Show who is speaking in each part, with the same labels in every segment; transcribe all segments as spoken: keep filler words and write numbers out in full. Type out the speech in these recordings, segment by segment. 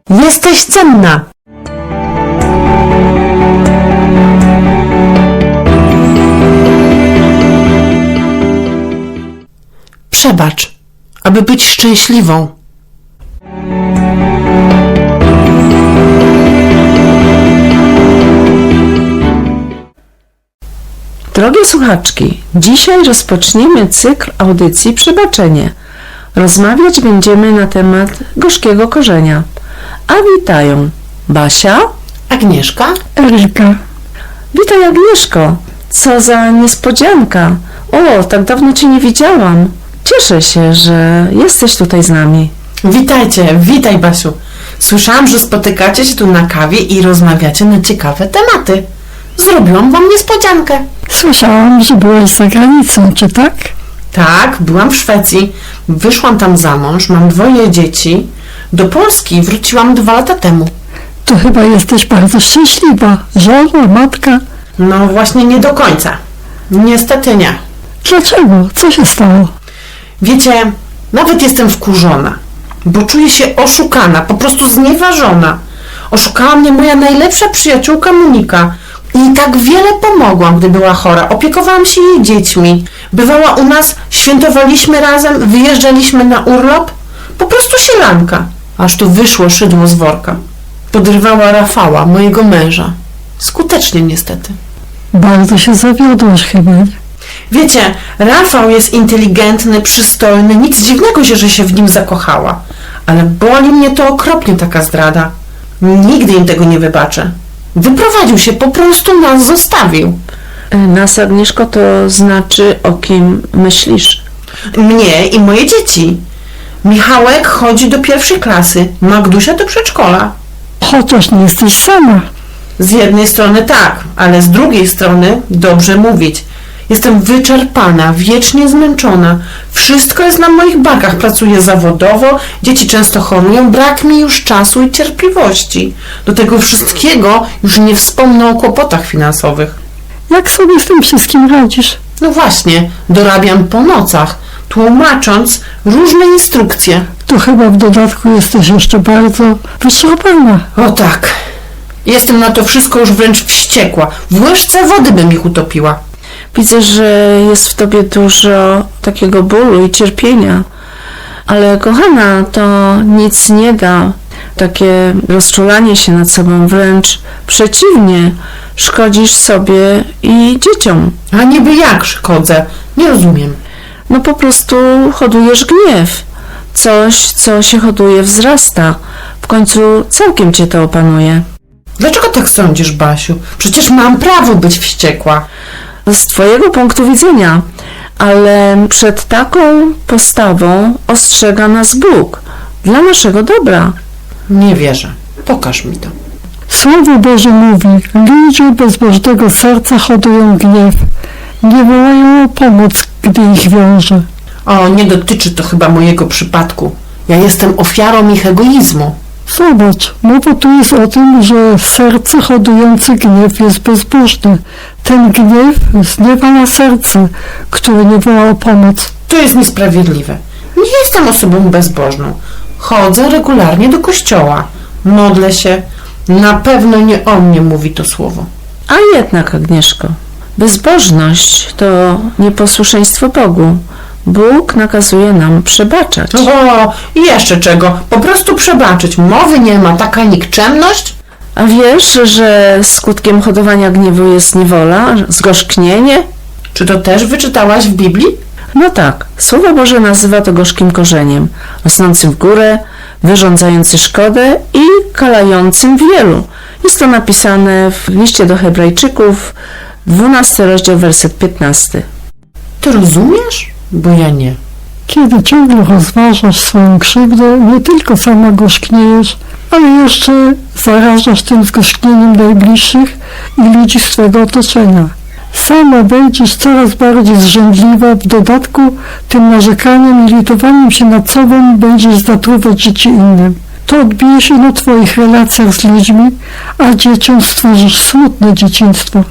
Speaker 1: Jesteś cenna. Przebacz, aby być szczęśliwą. Drogie słuchaczki, dzisiaj rozpoczniemy cykl audycji Przebaczenie. Rozmawiać będziemy na temat gorzkiego korzenia. A witają Basia,
Speaker 2: Agnieszka,
Speaker 3: Erika.
Speaker 1: Witaj Agnieszko, co za niespodzianka. O, tak dawno Cię nie widziałam. Cieszę się, że jesteś tutaj z nami.
Speaker 2: witajcie, witaj Basiu. Słyszałam, że spotykacie się tu na kawie i rozmawiacie na ciekawe tematy. Zrobiłam wam niespodziankę.
Speaker 3: Słyszałam, że byłaś za granicą, czy tak?
Speaker 2: Tak, byłam w Szwecji, wyszłam tam za mąż, mam dwoje dzieci. Do Polski wróciłam dwa lata temu.
Speaker 3: To chyba jesteś bardzo szczęśliwa. Żona, matka.
Speaker 2: No właśnie nie do końca. Niestety nie.
Speaker 3: Dlaczego? Co się stało?
Speaker 2: Wiecie, nawet jestem wkurzona, bo czuję się oszukana, po prostu znieważona. Oszukała mnie moja najlepsza przyjaciółka Monika i tak wiele pomogłam, gdy była chora. Opiekowałam się jej dziećmi. Bywała u nas, świętowaliśmy razem, wyjeżdżaliśmy na urlop. Po prostu sielanka. Aż tu wyszło szydło z worka. Podrywała Rafała, mojego męża. Skutecznie niestety.
Speaker 3: Bardzo się zawiodłaś chyba.
Speaker 2: Wiecie, Rafał jest inteligentny, przystojny, nic dziwnego się, że się w nim zakochała. Ale boli mnie to okropnie, taka zdrada. Nigdy im tego nie wybaczę. Wyprowadził się, po prostu nas zostawił.
Speaker 1: Nas, Agnieszko, to znaczy, o kim myślisz?
Speaker 2: Mnie i moje dzieci. Michałek chodzi do pierwszej klasy, Magdusia do przedszkola.
Speaker 3: Chociaż nie jesteś sama.
Speaker 2: Z jednej strony tak, ale z drugiej strony dobrze mówić. Jestem wyczerpana, wiecznie zmęczona. Wszystko jest na moich barkach. Pracuję zawodowo, dzieci często chorują, brak mi już czasu i cierpliwości. Do tego wszystkiego już nie wspomnę o kłopotach finansowych.
Speaker 3: Jak sobie z tym wszystkim radzisz?
Speaker 2: No właśnie, dorabiam po nocach, tłumacząc różne instrukcje.
Speaker 3: To chyba w dodatku jesteś jeszcze bardzo wyczerpana.
Speaker 2: O tak, jestem na to wszystko już wręcz wściekła. W łyżce wody bym ich utopiła.
Speaker 1: Widzę, że jest w tobie dużo takiego bólu i cierpienia. Ale kochana, to nic nie da. Takie rozczulanie się nad sobą, wręcz przeciwnie, szkodzisz sobie i dzieciom.
Speaker 2: A niby jak szkodzę? Nie rozumiem.
Speaker 1: No po prostu hodujesz gniew. Coś, co się hoduje, wzrasta. W końcu całkiem cię to opanuje.
Speaker 2: Dlaczego tak sądzisz, Basiu? Przecież mam prawo być wściekła.
Speaker 1: Z twojego punktu widzenia, ale przed taką postawą ostrzega nas Bóg dla naszego dobra.
Speaker 2: Nie wierzę. Pokaż mi to.
Speaker 3: Słowo Boże mówi, ludzie bezbożnego serca hodują gniew. Nie wołają o pomoc, gdy ich wiąże.
Speaker 2: O, nie dotyczy to chyba mojego przypadku. Ja jestem ofiarą ich egoizmu.
Speaker 3: Zobacz, mowa tu jest o tym, że serce hodujące gniew jest bezbożne. Ten gniew zniewala serce, które nie woła o pomoc.
Speaker 2: To jest niesprawiedliwe. Nie jestem osobą bezbożną. Chodzę regularnie do kościoła. Modlę się. Na pewno nie o mnie mówi to słowo.
Speaker 1: A jednak, Agnieszko, bezbożność to nieposłuszeństwo Bogu. Bóg nakazuje nam przebaczać.
Speaker 2: O, i jeszcze czego? Po prostu przebaczyć. Mowy nie ma. Taka nikczemność?
Speaker 1: A wiesz, że skutkiem hodowania gniewu jest niewola, zgorzknienie?
Speaker 2: Czy to też wyczytałaś w Biblii?
Speaker 1: No tak, Słowo Boże nazywa to gorzkim korzeniem, rosnącym w górę, wyrządzający szkodę i kalającym wielu. Jest to napisane w liście do Hebrajczyków, dwunasty rozdział, werset piętnasty.
Speaker 2: Ty rozumiesz? Bo ja nie.
Speaker 3: Kiedy ciągle rozważasz swoją krzywdę, nie tylko sama gorzkniejesz, ale jeszcze zarażasz tym zgorzknieniem najbliższych i ludzi z twojego otoczenia. Sama będziesz coraz bardziej zrzędliwa, w dodatku tym narzekaniem i litowaniem się nad sobą będziesz zatruwać życie innym. To odbije się na twoich relacjach z ludźmi, a dzieciom stworzysz smutne dzieciństwo.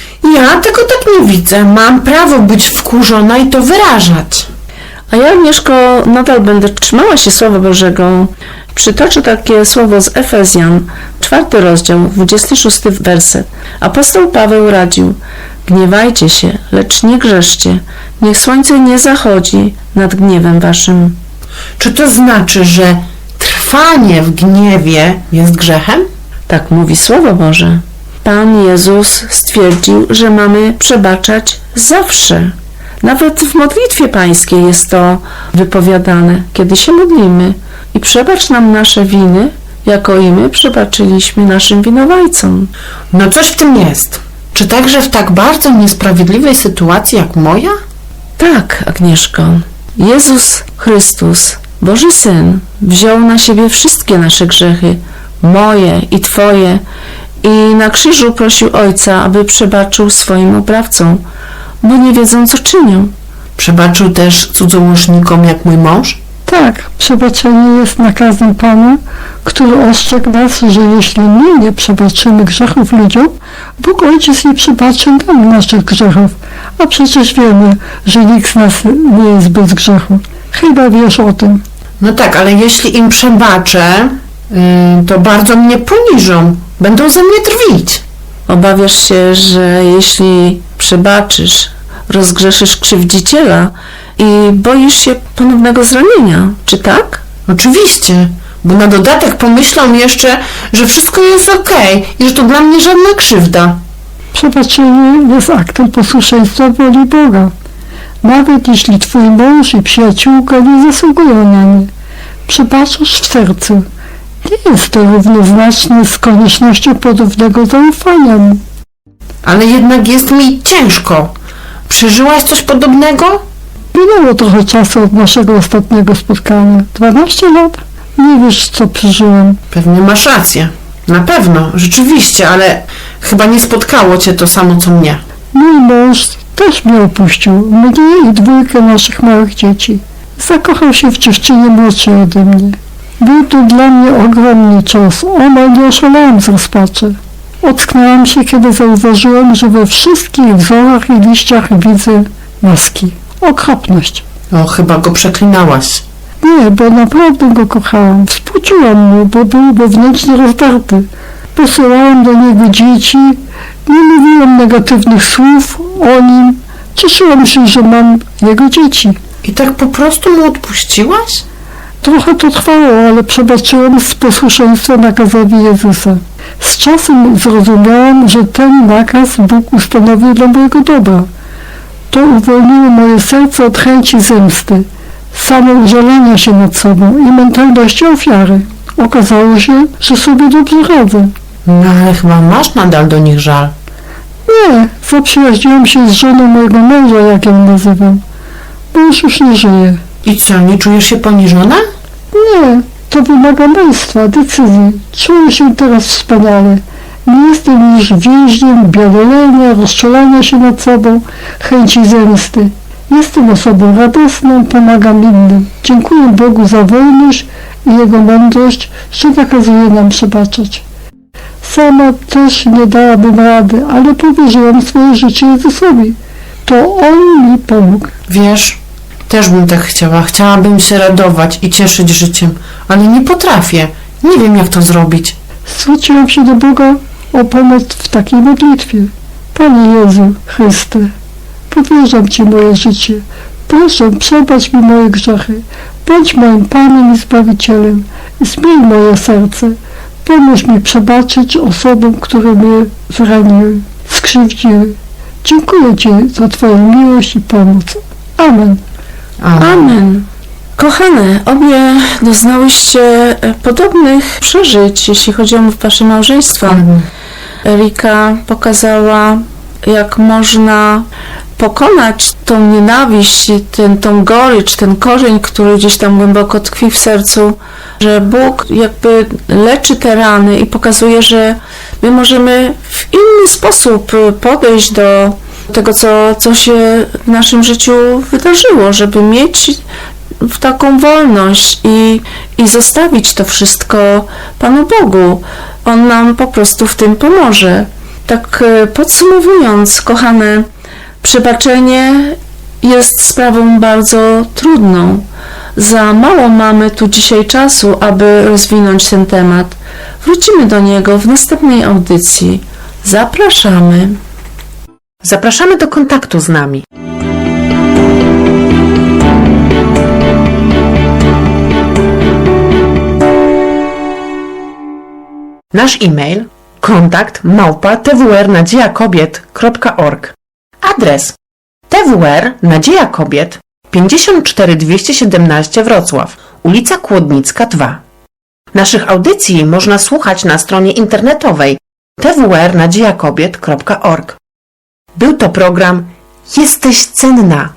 Speaker 2: Ja tego tak nie widzę. Mam prawo być wkurzona i to wyrażać.
Speaker 1: A ja, Agnieszko, nadal będę trzymała się Słowa Bożego. Przytoczę takie słowo z Efezjan, czwarty rozdział, dwudziesty szósty werset. Apostoł Paweł radził: gniewajcie się, lecz nie grzeszcie, niech słońce nie zachodzi nad gniewem waszym.
Speaker 2: Czy to znaczy, że trwanie w gniewie jest grzechem?
Speaker 1: Tak mówi Słowo Boże. Pan Jezus stwierdził, że mamy przebaczać zawsze. Nawet w modlitwie pańskiej jest to wypowiadane, kiedy się modlimy. I przebacz nam nasze winy, jako i my przebaczyliśmy naszym winowajcom.
Speaker 2: No coś w tym jest. Czy także w tak bardzo niesprawiedliwej sytuacji jak moja?
Speaker 1: Tak, Agnieszko. Jezus Chrystus, Boży Syn, wziął na siebie wszystkie nasze grzechy, moje i Twoje, i na krzyżu prosił Ojca, aby przebaczył swoim oprawcom, bo nie wiedzą, co czynią.
Speaker 2: Przebaczył też cudzołożnikom jak mój mąż?
Speaker 3: Tak, przebaczenie jest nakazem Pana, który ostrzegł nas, że jeśli my nie przebaczymy grzechów ludziom, Bóg Ojciec nie przebaczy nam naszych grzechów. A przecież wiemy, że nikt z nas nie jest bez grzechu. Chyba wiesz o tym.
Speaker 2: No tak, ale jeśli im przebaczę, yy, to bardzo mnie poniżą. Będą ze mnie drwić.
Speaker 1: Obawiasz się, że jeśli przebaczysz, rozgrzeszysz krzywdziciela i boisz się ponownego zranienia, czy tak?
Speaker 2: Oczywiście, bo na dodatek pomyślą jeszcze, że wszystko jest okej i że to dla mnie żadna krzywda.
Speaker 3: Przebaczenie jest aktem posłuszeństwa woli Boga. Nawet jeśli twój mąż i przyjaciółka nie zasługują na nie, przebaczasz w sercu. Nie jest to równoznaczne z koniecznością ponownego zaufania mu.
Speaker 2: Ale jednak jest mi ciężko. Przeżyłaś coś podobnego?
Speaker 3: Minęło trochę czasu od naszego ostatniego spotkania. dwanaście lat? Nie wiesz, co przeżyłem.
Speaker 2: Pewnie masz rację. Na pewno, rzeczywiście, ale chyba nie spotkało cię to samo, co mnie.
Speaker 3: Mój mąż też mnie opuścił, mnie i dwójkę naszych małych dzieci. Zakochał się w dziewczynie młodszej ode mnie. Był to dla mnie ogromny cios, omal nie oszalałem z rozpaczy. Ocknęłam się, kiedy zauważyłem, że we wszystkich wzorach i liściach widzę maski. Okropność.
Speaker 2: O, chyba go przeklinałaś.
Speaker 3: Nie, bo naprawdę go kochałam. Współczułam mu, bo był wewnętrznie rozdarty. Posyłałam do niego dzieci, nie mówiłam negatywnych słów o nim. Cieszyłam się, że mam jego dzieci.
Speaker 2: I tak po prostu mu odpuściłaś?
Speaker 3: Trochę to trwało, ale przebaczyłem z posłuszeństwa nakazowi Jezusa. Z czasem zrozumiałam, że ten nakaz Bóg ustanowił dla mojego dobra. To uwolniło moje serce od chęci zemsty, samoużalania się nad sobą i mentalności ofiary. Okazało się, że sobie dobrze radzę.
Speaker 2: No ale chyba masz nadal do nich żal.
Speaker 3: Nie, zaprzyjaźniłam się z żoną mojego męża, jak ją nazywam. Mąż już nie żyje.
Speaker 2: I co, nie czujesz się poniżona?
Speaker 3: Nie, to wymaga męstwa, decyzji. Czuję się teraz wspaniale. Nie jestem już więźniem biadolenia, rozczulania się nad sobą, chęci zemsty. Jestem osobą radosną, pomagam innym. Dziękuję Bogu za wolność i Jego mądrość, że nakazuje nam przebaczać. Sama też nie dałabym rady, ale powierzyłam swoje życie Jezusowi. To On mi pomógł.
Speaker 2: Wiesz, też bym tak chciała. Chciałabym się radować i cieszyć życiem, ale nie potrafię. Nie wiem, jak to zrobić.
Speaker 3: Zwróciłam się do Boga o pomoc w takiej modlitwie. Panie Jezu Chryste, powierzam Ci moje życie. Proszę, przebacz mi moje grzechy. Bądź moim Panem i Zbawicielem. Zmień moje serce. Pomóż mi przebaczyć osobom, które mnie zraniły, skrzywdziły. Dziękuję Ci za Twoją miłość i pomoc. Amen.
Speaker 2: Amen.
Speaker 1: Amen. Kochane, obie doznałyście e, podobnych przeżyć, jeśli chodzi o wasze małżeństwo.
Speaker 2: Amen.
Speaker 1: Erika pokazała, jak można pokonać tą nienawiść, ten, tą gorycz, ten korzeń, który gdzieś tam głęboko tkwi w sercu, że Bóg jakby leczy te rany i pokazuje, że my możemy w inny sposób podejść do tego, co, co się w naszym życiu wydarzyło, żeby mieć w taką wolność i, i zostawić to wszystko Panu Bogu. On nam po prostu w tym pomoże. Tak podsumowując, kochane, przebaczenie jest sprawą bardzo trudną. za mało mamy tu dzisiaj czasu, aby rozwinąć ten temat. Wrócimy do niego w następnej audycji. Zapraszamy.
Speaker 2: Zapraszamy do kontaktu z nami. Nasz e-mail kontakt małpa t w r nadzieja kobiet kropka org. Adres T W R Nadzieja Kobiet, pięćdziesiąt cztery dwieście siedemnaście Wrocław, ulica Kłodnicka dwa. Naszych audycji można słuchać na stronie internetowej t w r nadzieja kobiet kropka org. Był to program Jesteś cenna.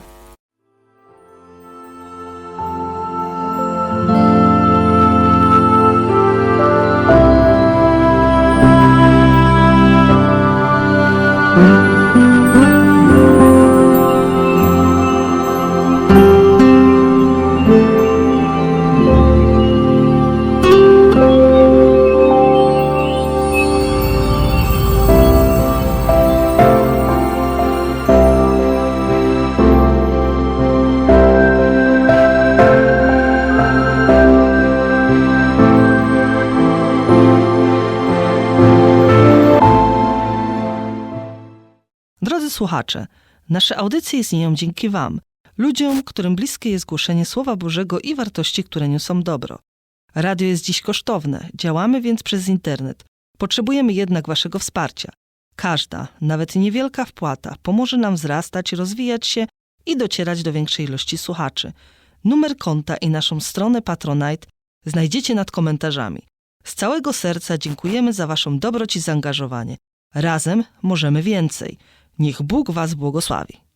Speaker 4: Drodzy słuchacze, nasze audycje istnieją dzięki Wam, ludziom, którym bliskie jest głoszenie Słowa Bożego i wartości, które niosą dobro. Radio jest dziś kosztowne, działamy więc przez internet. Potrzebujemy jednak Waszego wsparcia. Każda, nawet niewielka wpłata pomoże nam wzrastać, rozwijać się i docierać do większej ilości słuchaczy. Numer konta i naszą stronę Patronite znajdziecie nad komentarzami. Z całego serca dziękujemy za Waszą dobroć i zaangażowanie. Razem możemy więcej. Niech Bóg Was błogosławi.